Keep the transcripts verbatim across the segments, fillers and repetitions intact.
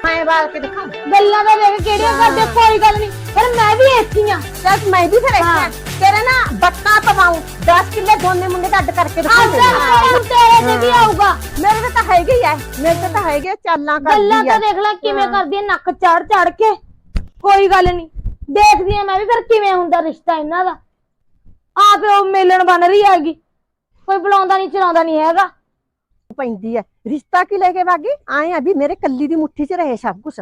ਮੈਂ ਬਾਲ ਕੇ ਦਿਖਾਉਂ। ਗੱਲਾਂ ਦਾ ਵੇਖ ਕਿਹੜੀਆਂ ਕਰਦੇ, ਕੋਈ ਗੱਲ ਨਹੀਂ, ਪਰ ਮੈਂ ਵੀ ਇੱਥੇ ਆ। ਚੱਲ ਮੈਂ ਵੀ ਫਿਰ ਇੱਥੇ ਤੇਰੇ ਨਾ ਬੱਕਾ ਪਵਾਉਂ, ਦਸ ਕਿੱਲੇ ਦੋਨੇ ਮੁੰਡੇ ਦਾ ਅੱਡ ਕਰਕੇ ਦਿਖਾਉਂ। ਤੇਰੇ ਤੇ ਵੀ ਆਊਗਾ। ਮੇਰੇ ਤੇ ਤਾਂ ਹੈਗੇ ਹੀ ਐ, ਮੇਰੇ ਤੇ ਤਾਂ ਹੈਗੇ ਚਾਲਾਂ ਕਰਦੀ ਗੱਲਾਂ ਤਾਂ ਦੇਖ ਲੈ ਕਿਵੇਂ ਕਰਦੀ ਐ, ਨੱਕ ਚੜ ਚੜ ਕੇ। ਕੋਈ ਗੱਲ ਨਹੀਂ, ਦੇਖਦੀ ਆ ਮੈਂ ਵੀ ਫਿਰ ਕਿਵੇਂ ਹੁੰਦਾ ਰਿਸ਼ਤਾ ਇਹਨਾਂ ਦਾ। ਆਪੇ ਉਹ ਮੇਲਣ ਬਣ ਰਹੀ ਹੈਗੀ, ਕੋਈ ਬੁਲਾਉਂਦਾ ਨਹੀਂ ਚਲਾਉਂਦਾ ਨਹੀਂ ਹੈਗਾ। ਪੈਂਦੀ ਐ ਰਿਸ਼ਤਾ ਕੀ ਲੈ ਕੇ ਵਾਗੀ ਆਏ ਆ ਵੀ ਮੇਰੇ ਕੱਲੀ ਦੀ ਮੁੱਠੀ 'ਚ ਰਹੇ ਸਭ ਕੁਝ।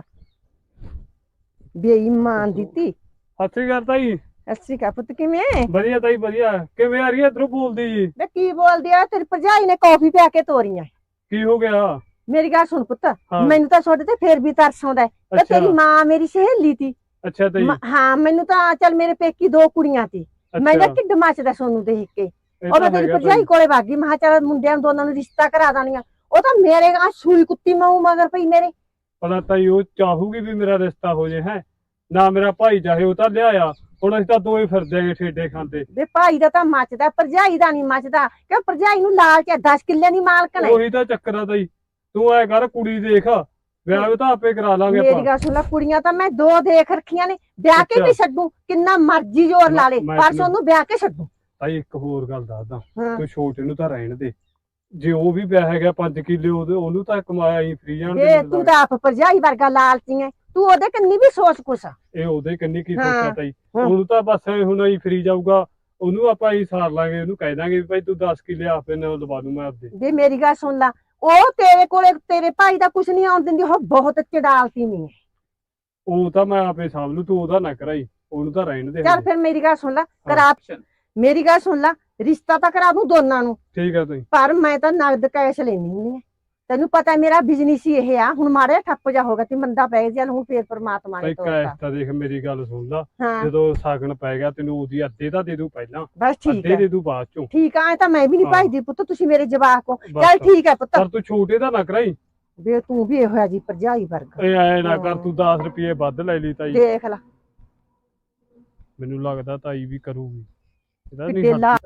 ਬੇਈਮਾਨ ਦਿੱਤੀ ਸਤਿ ਕਰਤਾ ਜੀ। ਅੱਛੀ ਕਾ ਪੁੱਤ ਕਿਵੇਂ? ਵਧੀਆ ਤਾਈ ਵਧੀਆ। ਕਿਵੇਂ ਆ ਰਹੀ ਹੈ ਇਧਰੋਂ ਬੋਲਦੀ ਜੀ? ਵੇ ਕੀ ਬੋਲਦੀ ਆ? ਤੇਰੀ ਭਰਜਾਈ ਨੇ ਕੌਫੀ ਪਿਆ ਕੇ ਤੋਰੀਆਂ। ਕੀ ਹੋ ਗਿਆ? ਮੇਰੀ ਗੱਲ ਸੁਣ ਪੁੱਤ, ਮੈਨੂੰ ਤਾਂ ਤੁਹਾਡੇ ਤੇ ਫੇਰ ਵੀ ਤਰਸ ਆਉਂਦਾ ਹੈ। ਤੇਰੀ ਮਾਂ ਮੇਰੀ ਸਹੇਲੀ ਤੀ। ਅੱਛਾ ਤਾਈ। ਹਾਂ ਮੈਨੂੰ ਤਾਂ ਚੱਲ ਮੇਰੇ ਪੇਕੀ ਦੋ ਕੁੜੀਆਂ ਤੀ, ਮੈਂ ਤਾਂ ਢਿੱਡ ਮੱਚਦਾ ਸੋਨੂੰ ਦੇਖ ਕੇ। ਉਹ ਮੈਂ ਤੇਰੀ ਭਰਜਾਈ ਕੋਲੇ ਵਾਗੀ, ਮੈਂ ਕਿਹਾ ਚੱਲ ਮੁੰਡਿਆਂ ਦੋਨਾਂ ਨੂੰ ਰਿਸ਼ਤਾ ਕਰਾ ਦਾਨੀਆਂ। ਉਹ ਤਾਂ ਮੇਰੇ ਆ ਸੂਈ ਕੁੱਤੀ ਮਾਊ ਮਗਰ ਪਈ ਮੇਰੇ। ਪਤਾ ਤਾਈ ਉਹ ਚਾਹੂਗੀ ਵੀ ਮੇਰਾ ਰਿਸ਼ਤਾ ਹੋ ਜੇ ਹੈ ਨਾ, ਮੇਰਾ ਭਾਈ ਚਾਹੇ ਉਹ ਤਾਂ ਲਿਆਇਆ। ਹੁਣ ਅਸੀਂ ਤਾਂ ਦੋਵੇਂ ਫਿਰਦੇ ਆਂਗੇ ਠੇਡੇ ਖਾਂਦੇ। ਵੇ ਭਾਈ ਦਾ ਤਾਂ ਮੱਚਦਾ, ਭਰਜਾਈ ਦਾ ਨਹੀਂ ਮੱਚਦਾ। ਕਿਉਂ ਭਰਜਾਈ ਨੂੰ ਲਾਲਚ ਹੈ, ਦਸ ਕਿੱਲਿਆਂ ਦੀ ਮਾਲਕਣ ਹੈ। ਉਹੀ ਤਾਂ ਚੱਕਰ ਆ ਤਾਈ, ਤੂੰ ਐ ਕਰ ਕੁੜੀ ਦੇਖ, ਵਿਆਹ ਤਾਂ ਆਪੇ ਕਰਾ ਲਾਂਗੇ ਆਪਾਂ। ਮੇਰੀ ਗੱਲ ਸੁਣ ਲੈ, ਕੁੜੀਆਂ ਤਾਂ ਮੈਂ ਦੋ ਦੇਖ ਰੱਖੀਆਂ ਨੇ, ਵਿਆਹ ਕੇ ਵੀ ਛੱਡੂ, ਕਿੰਨਾ ਮਰਜ਼ੀ ਜ਼ੋਰ ਲਾ ਲੇ, ਪਰ ਉਹਨੂੰ ਵਿਆਹ ਕੇ ਛੱਡੂ। ਤਾਈ ਇੱਕ ਹੋਰ ਗੱਲ ਦੱਸਦਾ, ਤੂੰ ਛੋਟੇ ਨੂੰ ਤਾਂ ਰਹਿਣ ਦੇ। ਜੇ ਉਹ ਵੀ ਵਿਆਹ ਹੈਗਾ ਪੰਜ ਕਿੱਲੇ ਉਹਦੇ, ਉਹਨੂੰ ਤਾਂ ਕਮਾਇਆ ਹੀ ਫਰੀ ਜਾਣ ਦੇ। ਤੂੰ ਤਾਂ ਆਪ ਭਰਜਾਈ ਵਰਗਾ ਲਾਲਚੀ ਹੈ, ਤੂੰ ਉਹਦੇ ਕੰਨੀ ਵੀ ਸੋਚ ਕੁਛ। ਇਹ ਉਹਦੇ ਕੰਨੀ ਕੀ ਸੋਚਿਆ ਤਾਈ? ਉਹਨੂੰ ਤਾਂ ਬਸ ਹੁਣ ਹੀ ਫਰੀ ਜਾਊਗਾ, ਉਹਨੂੰ ਆਪਾਂ ਹੀ ਸਾਰ ਲਾਂਗੇ। ਉਹਨੂੰ ਕਹਿ ਦਾਂਗੇ ਵੀ ਭਾਈ ਤੂੰ ਦਸ ਕਿੱਲੇ ਆਪੇ ਨਾਲ ਲਵਾ ਦੂੰ ਮੈਂ ਆਪਦੇ। ਜੇ ਮੇਰੀ ਗੱਲ ਸੁਣ ਲਾ, ਉਹ ਤੇਰੇ ਕੋਲੇ ਤੇਰੇ ਭਾਈ ਦਾ ਕੁਛ ਨਹੀਂ ਆਉਣ ਦਿੰਦੀ, ਉਹ ਬਹੁਤ ਚੜਾਲਤੀ ਨਹੀਂ ਹੈ। ਉਹ ਤਾਂ ਮੈਂ ਆਪੇ ਸਾਂਭ ਲੂ, ਤੂੰ ਉਹਦਾ ਨਾ ਕਰਾਈ, ਉਹਨੂੰ ਤਾਂ ਰਹਿਣ ਦੇ। ਚੱਲ ਫਿਰ ਮੇਰੀ ਗੱਲ ਸੁਣ ਲਾ, ਕਰਾ ਮੇਰੀ ਗੱਲ ਸੁਣ ਲਾ, ਰਿਸ਼ਤਾ ਤਾਂ ਕਰਾ ਦੂੰ ਦੋਨਾਂ ਨੂੰ। ਠੀਕ ਹੈ ਤਾਈ। ਪਰ ਮੈਂ ਤਾਂ ਨਗਦ ਕੈਸ਼ ਲੈਣੀ ਹੁੰਦੀ ਹੈ, ਤੈਨੂੰ ਪਤਾ ਮੇਰਾ ਬਿਜ਼ਨਸ ਹੀ ਇਹ ਆ। ਹੁਣ ਮਾਰੇ ਠੱਪ ਜਾ ਹੋਗਾ ਤੇ ਮੰਦਾ ਪੈ ਗਿਆ, ਹੁਣ ਫੇਰ ਪਰਮਾਤਮਾ ਨੇ ਤੋਰਤਾ। ਕੈਸ਼ ਤਾਂ ਦੇਖ ਮੇਰੀ ਗੱਲ ਸੁਣ ਲਾ, ਜਦੋਂ ਸਾਗਣ ਪੈ ਗਿਆ ਤੈਨੂੰ ਉਹਦੀ ਅੱਧੇ ਤਾਂ ਦੇ ਦੂ ਪਹਿਲਾਂ, ਬਸ ਠੀਕ ਅੱਧੇ ਦੇ ਦੂ ਬਾਅਦ ਚੋਂ। ਠੀਕ ਆ, ਐ ਤਾਂ ਮੈਂ ਵੀ ਨਹੀਂ ਭਾਈਦੀ ਪੁੱਤ, ਤੁਸੀਂ ਮੇਰੇ ਜਵਾਕ ਹੋ। ਚੱਲ ਠੀਕ ਹੈ ਪੁੱਤ, ਪਰ ਤੂੰ ਛੋਟੇ ਦਾ ਨਾ ਕਰਾਈ। ਵੇ ਤੂੰ ਵੀ ਇਹੋ ਜੀ ਭਰਜਾਈ ਵਰਗਾ। ਇਹ ਐ ਨਾ ਕਰ ਤੂੰ ਦਸ ਰੁਪਏ ਵੱਧ ਲੈ ਲਈ ਤਾਈ। ਦੇਖ ਲੈ ਮੈਨੂੰ ਲੱਗਦਾ ਤਾਈ ਵੀ ਕਰੂਗੀ ਇਹਦਾ ਕਿੱਡੇ ਨਹੀਂ। ਲਾ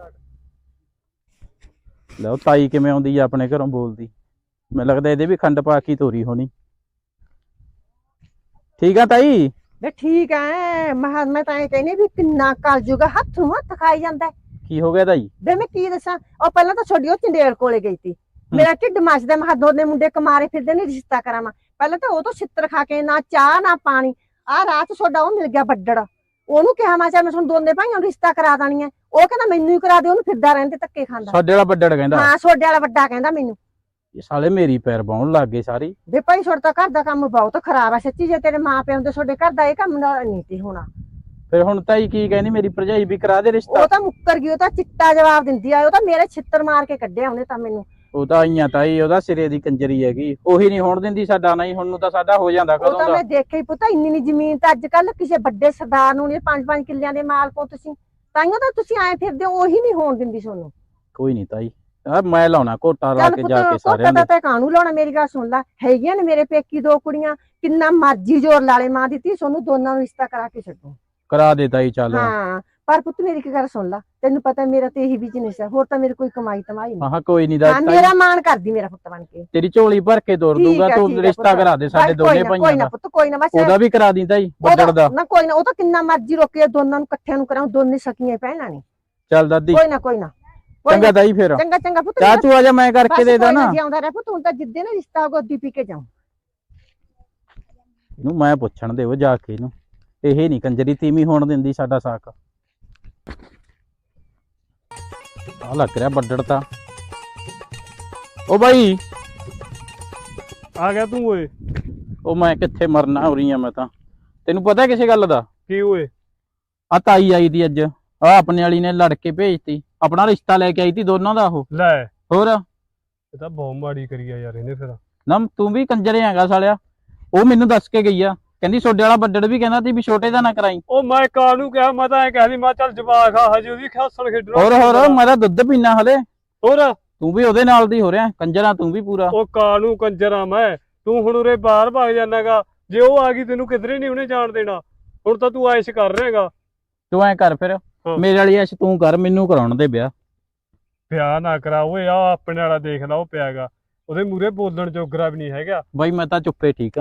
ਲਓ ਤਾਈ ਕਿਵੇਂ ਆਉਂਦੀ ਆ ਆਪਣੇ ਘਰੋਂ ਬੋਲਦੀ। ਮੈਨੂੰ ਲੱਗਦਾ ਇਹਦੇ ਵੀ ਖੰਡ ਪਾ ਕੇ ਤੋਰੀ ਹੋਣੀ। ਠੀਕ ਆ ਤਾਈ? ਵੇ ਠੀਕ ਐ, ਮੈਂ ਮੈਂ ਤਾਂ ਇਹ ਕਹਿੰਦੀ ਵੀ ਕਿੰਨਾ ਕਰ ਜੂਗਾ, ਹੱਥੋਂ ਹੱਥ ਖਾਈ ਜਾਂਦਾ। ਕੀ ਹੋ ਗਿਆ ਤਾਈ? ਵੇ ਮੈਂ ਕੀ ਦੱਸਾਂ, ਉਹ ਪਹਿਲਾਂ ਤਾਂ ਛੋਡੀ ਉਹ ਚੰਡੇਲ ਕੋਲੇ ਗਈ ਸੀ, ਮੇਰਾ ਢਿੱਡ ਮੱਚਦਾ। ਮੈਂ ਦੋਨੇ ਮੁੰਡੇ ਕਮਾਰੇ ਫਿਰਦੇ ਨੇ, ਰਿਸ਼ਤਾ ਕਰਾਵਾਂ। ਪਹਿਲਾਂ ਤਾਂ ਉਹ ਤੋਂ ਛਿੱਤਰ ਖਾ ਕੇ, ਨਾ ਚਾਹ ਨਾ ਪਾਣੀ। ਆਹ ਰਾਤ ਛੋਡਾ ਉਹ ਮਿਲ ਗਿਆ ਵੱਡੜ, ਉਹਨੂੰ ਕਿਹਾ ਮੈਂ ਚੱਲ ਮੈਂ ਤੁਹਾਨੂੰ ਦੋਨੇ ਭਾਈਆਂ ਨੂੰ ਰਿਸ਼ਤਾ ਕਰਾ ਦੇਣੀ ਹੈ। ਉਹ ਕਹਿੰਦਾ ਮੈਨੂੰ ਹੀ ਕਰਾ ਦੇ, ਉਹਨੂੰ ਫਿਰਦਾ ਰਹਿੰਦੇ ਧੱਕੇ ਖਾਂਦਾ। ਸਾਡੇ ਵਾਲਾ ਵੱਡੜ ਕਹਿੰਦਾ? ਹਾਂ ਛੋਡੇ ਵਾਲਾ ਵੱਡਾ ਕਹਿੰਦਾ ਮੈਨੂੰ। ਇਹ ਸਾਲੇ ਮੇਰੀ ਪੈਰ ਬਾਉਣ ਲੱਗ ਗਏ ਸਾਰੀ। ਵੇ ਭਾਈ ਛੋੜ ਤਾਂ ਘਰ ਦਾ ਕੰਮ ਬਹੁਤ ਖਰਾਬ ਆ ਸੱਚੀ। ਜੇ ਤੇਰੇ ਮਾਂ ਪਿਓ ਹੁੰਦੇ ਛੋਡੇ ਘਰ ਦਾ ਇਹ ਕੰਮ ਨਾ ਨਹੀਂ ਸੀ ਹੋਣਾ। ਫਿਰ ਹੁਣ ਤਾਈ ਕੀ ਕਹਿੰਦੀ, ਮੇਰੀ ਭਰਜਾਈ ਵੀ ਕਰਾ ਦੇ ਰਿਸ਼ਤਾ? ਉਹ ਤਾਂ ਮੁੱਕਰ ਗਈ, ਉਹ ਤਾਂ ਚਿੱਟਾ ਜਵਾਬ ਦਿੰਦੀ ਆ। ਉਹ ਤਾਂ ਮੇਰੇ ਛਿੱਤਰ ਮਾਰ ਕੇ ਕੱਢਿਆ ਉਹਨੇ ਤਾਂ ਮੈਨੂੰ। ਉਹ ਤਾਂ ਆਈਆਂ ਤਾਈ, ਉਹਦਾ ਸਿਰੇ ਦੀ ਕੰਜਰੀ ਹੈਗੀ, ਉਹੀ ਨਹੀਂ ਹੋਣ ਦਿੰਦੀ ਸਾਡਾ। ਨਹੀਂ ਹੁਣ ਨੂੰ ਤਾਂ ਸਾਡਾ ਹੋ ਜਾਂਦਾ ਉਹ ਕਦੋਂ ਤਾਂ ਦਾ। ਮੈਂ ਦੇਖਿਆ ਹੀ ਪੁੱਤ, ਇੰਨੀ ਨੀ ਜ਼ਮੀਨ ਤਾਂ ਅੱਜ ਕੱਲ ਕਿਸੇ ਵੱਡੇ ਸਰਦਾਰ ਨੂੰ ਨਹੀਂ। ਪੰਜ ਪੰਜ ਕਿੱਲਿਆਂ ਦੇ ਮਾਲਕ ਹੋ ਤੁਸੀਂ, ਤਾਈਓ ਤਾਂ ਤੁਸੀਂ ਆਏ ਫਿਰਦੇ ਹੋ। ਉਹੀ ਨਹੀਂ ਹੋਣ ਦਿੰਦੀ ਤੁਹਾਨੂੰ। ਕੋਈ ਨਹੀਂ ਤਾਈ, ਆ ਮੈਂ ਲਾਉਣਾ ਘੋਟਾ ਲਾ ਕੇ ਜਾ ਕੇ ਸਾਰਿਆਂ ਦਾ ਦੇ। ਤਾਂ ਕਾਹਨੂੰ ਲਾਉਣਾ? ਮੇਰੀ ਗੱਲ ਸੁਣ ਲੈ, ਹੈਗੀਆਂ ਨੇ ਮੇਰੇ ਪੇਕੀ ਦੋ ਕੁੜੀਆਂ, ਕਿੰਨਾ ਮਰਜ਼ੀ ਜ਼ੋਰ ਲਾਲੇ ਮਾਂ ਦਿੱਤੀ, ਤੁਹਾਨੂੰ ਦੋਨਾਂ ਨੂੰ ਰਿਸ਼ਤਾ ਕਰਾ ਕੇ ਛੱਡੋ। ਕਰਾ ਦੇ ਤਾਈ ਚੱਲ। ਹਾਂ ਪਰ ਪੁੱਤ ਮੇਰੀ ਇੱਕ ਗੱਲ ਸੁਣ ਲੈ, ਤੈਨੂੰ ਪਤਾ ਮੇਰਾ ਤੇ ਇਹੀ ਬਿਜ਼ਨਸ ਹੈ, ਹੋਰ ਤਾਂ ਮੇਰੇ ਕੋਈ ਕਮਾਈ ਤਮਾਈ ਨਹੀਂ। ਹਾਂ ਕੋਈ ਨਹੀਂ ਦਾ ਤਾਈ, ਮੇਰਾ ਮਾਣ ਕਰਦੀ ਮੇਰਾ ਪੁੱਤ ਬਣ ਕੇ। ਤੇਰੀ ਝੋਲੀ ਭਰ ਕੇ ਤੋਰ ਦੂੰਗਾ, ਤੂੰ ਰਿਸ਼ਤਾ ਕਰਾ ਦੇ ਸਾਡੇ ਦੋਨੇ ਭਾਈਆਂ ਕੋਈ ਨਾ ਦਾ। ਪੁੱਤ ਕੋਈ ਨਾ, ਬਸ ਉਹਦਾ ਵੀ ਕਰਾ ਦੀ ਤਾਈ ਵੱਡੜ ਦਾ। ਨਾ ਕੋਈ ਨਾ, ਉਹ ਤਾਂ ਕਿੰਨਾ ਮਰਜ਼ੀ ਰੋਕੇ, ਦੋਨਾਂ ਨੂੰ ਇਕੱਠਿਆਂ ਨੂੰ ਕਰਾਉ, ਦੋਨੇ ਸਕੀਆਂ ਭੈਣਾਂ ਨੇ। ਚੱਲ ਦਾਦੀ ਕੋਈ ਨਾ ਕੋਈ ਨਾ, ਚੰਗਾ ਤਾਈ। ਫਿਰ ਚੰਗਾ ਚੰਗਾ ਪੁੱਤ, ਚਾਹ ਚੂ ਆ ਜਾ, ਮੈਂ ਕਰਕੇ ਦੇ ਦਾਂ ਨਾ। ਜਿਉਂਦਾ ਰਹਿ ਪੁੱਤ, ਹੁਣ ਤਾਂ ਜਿੱਦੇ ਨਾ ਰਿਸ਼ਤਾ ਗੋਦੀ ਪੀ ਕੇ ਜਾਉ। ਇਹਨੂੰ ਮੈਂ ਪੁੱਛਣ ਦੇਵੋ ਜਾ ਕੇ ਇਹਨੂੰ, ਇਹ ਨਹੀਂ ਕੰਜਰੀ ਤੀਵੀਂ ਹੋਣ ਦਿੰਦੀ ਸਾਡਾ ਸਾਕ। ਆ ਲੱਗ ਰਿਹਾ ਵੱਡੜ ਤਾਂ। ਉਹ ਬਾਈ ਆ ਗਿਆ ਤੂੰ ਓਏ? ਉਹ ਮੈਂ ਕਿੱਥੇ ਮਰਨਾ ਹੋ ਰਹੀ ਆ ਮੈਂ ਤਾਂ। ਤੈਨੂੰ ਪਤਾ ਕਿਸੇ ਗੱਲ ਦਾ? ਕੀ ਓਏ? ਆ ਤਾਈ ਆਈ ਦੀ ਅੱਜ, ਆ ਆਪਣੇ ਵਾਲੀ ਨੇ ਲੜ ਕੇ ਭੇਜਤੀ, ਆਪਣਾ ਰਿਸ਼ਤਾ ਲੈ ਕੇ ਆਈ ਤੀ ਦੋਨਾਂ ਦਾ। ਉਹ ਲੈ ਹੋਰ ਇਹ ਤਾਂ ਬਹੁਤ ਮਾੜੀ ਕਰੀ ਆ ਯਾਰ ਇਹਨੇ। ਫਿਰ ਨਾ ਤੂੰ ਵੀ ਕੰਜਰੇ ਹੈਗਾ ਸਾਲਿਆ। ਉਹ ਮੈਨੂੰ ਦੱਸ ਕੇ ਗਈ ਆ, ਕਹਿੰਦੀ ਛੋਡੇ ਵਾਲਾ ਵੱਡੜ ਵੀ ਕਹਿੰਦਾ ਤੀ ਵੀ ਛੋਟੇ ਦਾ ਨਾ ਕਰਾਈ। ਉਹ ਮੈਂ ਕਾਹਨੂੰ ਕਿਹਾ, ਮੈਂ ਤਾਂ ਐ ਕਹਿੰਦੀ ਮੈਂ ਚੱਲ ਜਵਾਕ ਆ ਹਜੇ, ਉਹਦੀ ਖਾਸਣ ਖੇਡਣਾ। ਹੋਰ ਹੋਰ ਮੈਂ ਤਾਂ ਦੁੱਧ ਪੀਣਾ ਹਲੇ। ਹੋਰ ਤੂੰ ਵੀ ਉਹਦੇ ਨਾਲ ਦੀ ਹੋ ਰਿਹਾ ਕੰਜਰਾ, ਤੂੰ ਵੀ ਪੂਰਾ। ਉਹ ਕਾਹਨੂੰ ਕੰਜਰਾ ਮੈਂ, ਤੂੰ ਹੁਣ ਉਰੇ ਬਾਹਰ ਭਾਗ ਜਾਣਾਗਾ। ਜੇ ਉਹ ਆ ਗਈ ਤੈਨੂੰ ਕਿਧਰੇ ਨਹੀਂ ਉਹਨੇ ਜਾਣ ਦੇਣਾ। ਹੁਣ ਤਾਂ ਤੂੰ ਐਸ਼ ਕਰ ਰਿਹਾਗਾ। ਤੂੰ ਐ ਕਰ ਫਿਰ, ਮੇਰੇ ਵਾਲੀ ਐਸ਼ ਤੂੰ ਕਰ, ਮੈਨੂੰ ਕਰਾਉਣ ਦੇ ਵਿਆਹ। ਵਿਆਹ ਨਾ ਕਰਾ ਓਏ, ਆ ਆਪਣੇ ਵਾਲਾ ਦੇਖ ਲਾ ਉਹ ਪਿਆਗਾ, ਉਹਦੇ ਮੂਹਰੇ ਬੋਲਣ ਜੋਗਰਾ ਵੀ ਨਹੀਂ ਹੈਗਾ। ਬਾਈ ਮੈਂ ਤਾਂ ਚੁੱਪੇ ਠੀਕ ਆ,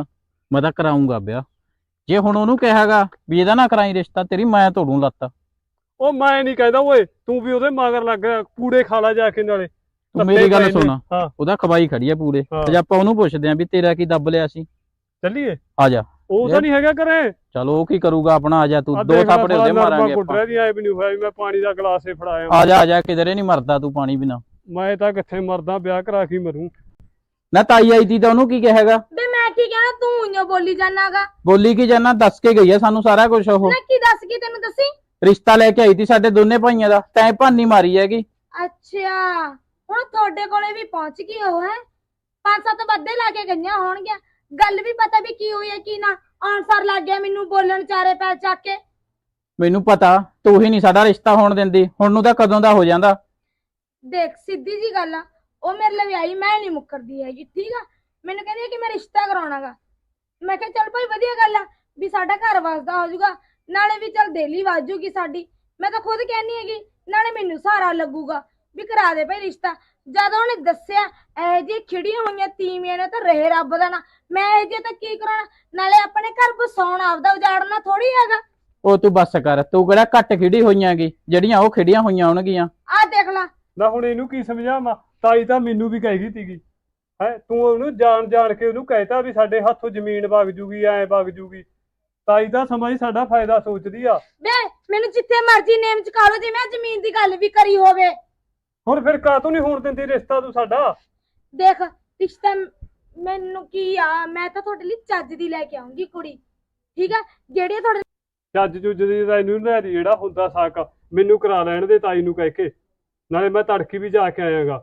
ਮੈਂ ਤਾਂ ਕਰਾਉਂਗਾ ਵਿਆਹ। ਜੇ ਹੁਣ ਉਹਨੂੰ ਕਹਾਗਾ ਵੀ ਇਹਦਾ ਨਾ ਕਰਾਈ ਰਿਸ਼ਤਾ, ਤੇਰੀ ਮੈਂ ਤੋੜੂ ਲੱਤ। ਉਹ ਮੈਂ ਨਹੀਂ ਕਹਿੰਦਾ ਓਏ, ਤੂੰ ਵੀ ਉਹਦੇ ਮਗਰ ਲੱਗ ਗਿਆ, ਕੂੜੇ ਖਾ ਲਾ ਜਾ ਕੇ ਨਾਲੇ। ਤੂੰ ਮੇਰੀ ਗੱਲ ਸੁਣ, ਹਾਂ ਉਹਦਾ ਖਵਾਈ ਖੜੀ ਆ ਪੂਰੇ। ਜੇ ਆਪਾਂ ਉਹਨੂੰ ਪੁੱਛਦੇ ਆਂ ਵੀ ਤੇਰਾ ਕੀ ਦੱਬ ਲਿਆ ਸੀ, ਚੱਲੀਏ। ਆ ਜਾ। ਉਹ ਤਾਂ ਨਹੀਂ ਹੈਗਾ ਘਰੇ। ਚਲੋ ਉਹ ਕੀ ਕਰੂਗਾ ਆਪਣਾ, ਆ ਜਾ ਤੂੰ, ਦੋ ਥਾਪੜੇ ਉਹਦੇ ਮਾਰਾਂਗੇ ਆਪਾਂ। ਦੀ ਆਏ ਵੀ ਨਹੀਂ ਹੋਇਆ ਵੀ ਮੈਂ ਪਾਣੀ ਦਾ ਗਲਾਸ ਹੀ ਫੜਾਇਆ। ਆ ਜਾ ਆ ਜਾ, ਕਿਧਰੇ ਨਹੀਂ ਮਰਦਾ ਤੂੰ ਪਾਣੀ ਬਿਨਾ। ਮੈਂ ਤਾਂ ਕਿੱਥੇ ਮਰਦਾ, ਵਿਆਹ ਕਰਾ ਕੇ ਮਰੂੰ। ਨਾ ਤਾਈ ਆਈ ਤੀ ਤਾਂ ਉਹਨੂੰ ਕੀ ਕਹੇਗਾ? ਬੇ ਮੈਂ ਕੀ ਕਹਿਣਾ, ਤੂੰ ਉਈਓ ਬੋਲੀ ਜਾਨਾਗਾ। ਬੋਲੀ ਕੀ ਜਾਨਾ, ਦੱਸ ਕੇ ਗਈ ਆ ਸਾਨੂੰ ਸਾਰਾ ਕੁਝ। ਉਹ ਨਾ ਕੀ ਦੱਸ ਗਈ ਤੈਨੂੰ, ਦੱਸੀ? ਰਿਸ਼ਤਾ ਲੈ ਕੇ ਆਈ ਤੀ ਸਾਡੇ ਦੋਨੇ ਭਾਈਆਂ ਦਾ, ਤੈਂ ਭਾਨੀ ਮਾਰੀ ਹੈਗੀ। ਅੱਛਾ, ਹੁਣ ਤੁਹਾਡੇ ਕੋਲੇ ਵੀ ਪਹੁੰਚ ਗਈ ਉਹ ਹੈ। ਪੰਜ ਸੱਤ ਬੱਦੇ ਲਾ ਕੇ ਗਈਆਂ ਹੋਣਗੀਆਂ, ਗੱਲ ਵੀ ਪਤਾ ਵੀ ਕੀ ਹੋਈ ਹੈ ਕੀ ਨਾ। ਆਨਸਰ ਲੱਗ ਗਿਆ ਮੈਨੂੰ ਬੋਲਣ, ਚਾਰੇ ਪੈਰ ਚੱਕ ਕੇ। ਮੈਨੂੰ ਪਤਾ ਤੂੰ ਹੀ ਨਹੀਂ ਸਾਡਾ ਰਿਸ਼ਤਾ ਹੋਣ ਦਿੰਦੀ, ਹੁਣ ਨੂੰ ਤਾਂ ਕਦੋਂ ਦਾ ਹੋ ਜਾਂਦਾ। ਦੇਖ ਸਿੱਧੀ ਜੀ ਗੱਲ ਆ, ਉਹ ਮੇਰੇ ਲਈ ਆਈ, ਮੈਂ ਨਹੀਂ ਮੁੱਕਰਦੀ ਹੈਗੀ, ਠੀਕ ਆ। ਮੈਨੂੰ ਕਹਿੰਦੀ ਹੈ ਕਿ ਮੈਂ ਰਿਸ਼ਤਾ ਕਰਾਉਣਾਗਾ। ਮੈਂ ਕਿਹਾ ਚੱਲ ਭਾਈ ਵਧੀਆ ਗੱਲ ਆ ਵੀ ਸਾਡਾ ਘਰ ਵਸਦਾ ਹੋ ਜਾਊਗਾ, ਨਾਲੇ ਵੀ ਚੱਲ ਦੇਲੀ ਵਾਜੂਗੀ ਸਾਡੀ। ਮੈਂ ਤਾਂ ਖੁਦ ਕਹਿੰਦੀ ਹੈਗੀ, ਨਾਲੇ ਮੈਨੂੰ ਸਹਾਰਾ ਲੱਗੂਗਾ ਵੀ ਕਰਾ ਦੇ ਭਾਈ ਰਿਸ਼ਤਾ। ਜਦੋਂ ਉਹਨੇ ਦੱਸਿਆ ਇਹ ਜੀ ਖਿੜੀਆਂ ਹੋਈਆਂ ਤੀਵੀਆਂ ਨੇ ਤਾਂ ਰਹੇ ਰੱਬ ਦਾ ਨਾ, ਮੈਂ ਇਹ ਜੇ ਤਾਂ ਕੀ ਕਰਾਉਣਾ, ਨਾਲੇ ਆਪਣੇ ਘਰ ਬਸਾਉਣਾ, ਆਪਦਾ ਉਜਾੜਨਾ ਥੋੜੀ ਹੈਗਾ। ਉਹ ਤੂੰ ਬੱਸ ਕਰ, ਤੂੰ ਕਿਹੜਾ ਘੱਟ ਖਿੜੀ ਹੋਈਆਂਗੀ ਜਿਹੜੀਆਂ ਉਹ ਖਿੜੀਆਂ ਹੋਈਆਂ ਹੋਣਗੀਆਂ। ਆਹ ਦੇਖ ਲਾ। ਨਾ ਹੁਣ ਇਹਨੂੰ ਕੀ ਸਮਝਾਵਾਂ, ਤਾਈ ਤਾਂ ਮੈਨੂੰ ਵੀ ਕਹਿ ਗਈ ਸੀਗੀ ਹੈ। ਤੂੰ ਉਹਨੂੰ ਜਾਣ ਜਾਣ ਕੇ ਉਹਨੂੰ ਕਹਿਤਾ ਵੀ ਸਾਡੇ ਹੱਥੋਂ ਜ਼ਮੀਨ ਵਗ ਜੂਗੀ, ਐ ਵਗ ਜੂਗੀ। ਤਾਈ ਤਾਂ ਸਮਝ ਸਾਡਾ ਫਾਇਦਾ ਸੋਚਦੀ ਆ। ਵੇ ਮੈਨੂੰ ਜਿੱਥੇ ਮਰਜ਼ੀ ਨੇਮ ਚ ਕਾ ਲੋ, ਜੇ ਮੈਂ ਜ਼ਮੀਨ ਦੀ ਗੱਲ ਵੀ ਕਰੀ ਹੋਵੇ। ਹੁਣ ਫਿਰ ਕਾਹਤੋਂ ਨਹੀਂ ਹੋਣ ਦਿੰਦੀ ਰਿਸ਼ਤਾ ਤੂੰ ਸਾਡਾ? ਦੇਖ ਰਿਸ਼ਤਾ ਮੈਨੂੰ ਕੀ ਆ, ਮੈਂ ਤਾਂ ਤੁਹਾਡੇ ਲਈ ਚੱਜ ਦੀ ਲੈ ਕੇ ਆਉਂਗੀ ਕੁੜੀ, ਠੀਕ ਆ। ਜਿਹੜੀ ਤੁਹਾਡੇ ਚੱਜ ਚੁੱਜ ਦੀ ਤਾਂ ਇਹਨੂੰ ਲੈ ਦੀ, ਜਿਹੜਾ ਹੁੰਦਾ ਸਾਕ ਮੈਨੂੰ ਕਰਾ ਲੈਣ ਦੇ ਤਾਈ ਨੂੰ ਕਹਿ ਕੇ, ਨਾਲੇ ਮੈਂ ਤੜਕੀ ਵੀ ਜਾ ਕੇ ਆਇਆਗਾ।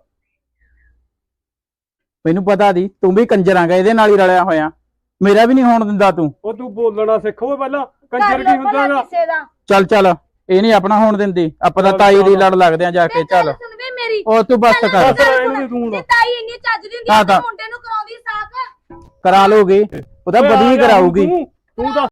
ਮੈਨੂੰ ਪਤਾ ਦੀ ਤੂੰ ਵੀ ਕੰਜਰਾਂਗਾ ਇਹਦੇ ਨਾਲ ਹੀ ਰਲਿਆ ਹੋਇਆ, ਮੇਰਾ ਵੀ ਨਹੀਂ ਹੋਣ ਦਿੰਦਾ ਤੂੰ। ਉਹ ਤੂੰ ਬੋਲਣਾ ਸਿੱਖੋ ਪਹਿਲਾਂ, ਕਰ ਕੰਜਰ ਲਓ ਕੀ ਭਲਾ ਹੁੰਦਾਗਾ। ਕਿਸੇ ਦਾ। ਚੱਲ ਚੱਲ, ਇਹ ਨਹੀਂ ਆਪਣਾ ਹੋਣ ਦਿੰਦੀ, ਆਪਾਂ ਤਾਂ ਚੱਲ, ਤਾਈ ਦੀ ਚੱਲ। ਲੜ ਲੱਗਦੇ ਆ ਜਾ ਕੇ। ਵੇ ਚੱਲ ਗੱਲ ਸੁਣ ਵੇ ਮੇਰੀ, ਉਹ ਤੂੰ ਬੱਸ ਚੱਲ ਕਰ, ਗੱਲ ਬਸ ਰਹਿਣ ਸੁਣ। ਦੇ ਤੂੰ ਜੇ ਹੁਣ। ਤਾਈ ਇੰਨੀ ਚੱਜ ਦੀ ਹੁੰਦੀ ਹਾਂ ਆ ਤਾਂ ਤਾਂ- ਮੁੰਡੇ ਨੂੰ ਕਰਾਉਂਦੀ ਸਾਕ। ਕਰਾ ਲੋਗੇ, ਉਹਦਾ ਓਏ ਆ ਬਦੀ ਜਾ ਹੁਣ ਕਰਾਊਗੀ। ਤੂੰ ਤੂੰ ਦੱਸ।